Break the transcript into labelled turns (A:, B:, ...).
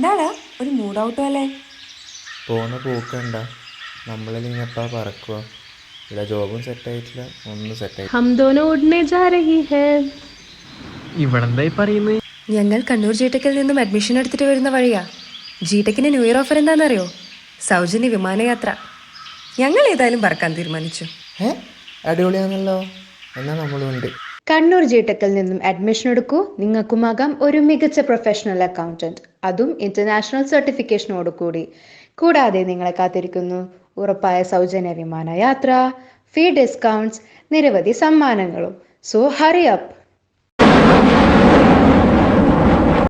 A: എന്താടാ ഒരു mood out അല്ലേ?
B: പോണ പോക്കണ്ട. നമ്മളല്ലെങ്കിൽ എപ്പാ പറക്കുക. ഇവിടെ ജോബും സെറ്റായിട്ടില്ല, ഒന്നും സെറ്റായി.
C: हम दोनों उड़ने जा रही है.
D: ഇവളെന്തായി പറയുന്നത്?
A: ഞങ്ങൾ കണ്ണൂർ ജിടെക്കിൽ നിന്നും അഡ്മിഷൻ എടുത്തിട്ട് വരുന്ന വഴിയാ. ജിടെക്കിന്റെ ന്യൂ ഇയർ ഓഫർ എന്താണെന്നറിയോ? സൗജന്യ വിമാനയാത്ര. ഞങ്ങൾ ഏതായാലും പറക്കാൻ തീരുമാനിച്ചു.
B: അടിപൊളിയാണല്ലോ. എന്നാൽ നമ്മളുണ്ട്.
E: കണ്ണൂർ ജിടെക്കിൽ നിന്നും അഡ്മിഷൻ എടുക്കൂ. നിങ്ങൾക്കുമാകാം ഒരു മികച്ച പ്രൊഫഷണൽ അക്കൗണ്ടന്റ്, അതും ഇന്റർനാഷണൽ സർട്ടിഫിക്കേഷനോട് കൂടി. കൂടാതെ നിങ്ങളെ കാത്തിരിക്കുന്നു ഉറപ്പായ സൗജന്യ വിമാനയാത്ര, ഫീ ഡിസ്കൗണ്ട്സ്, നിരവധി സമ്മാനങ്ങളും. So hurry up.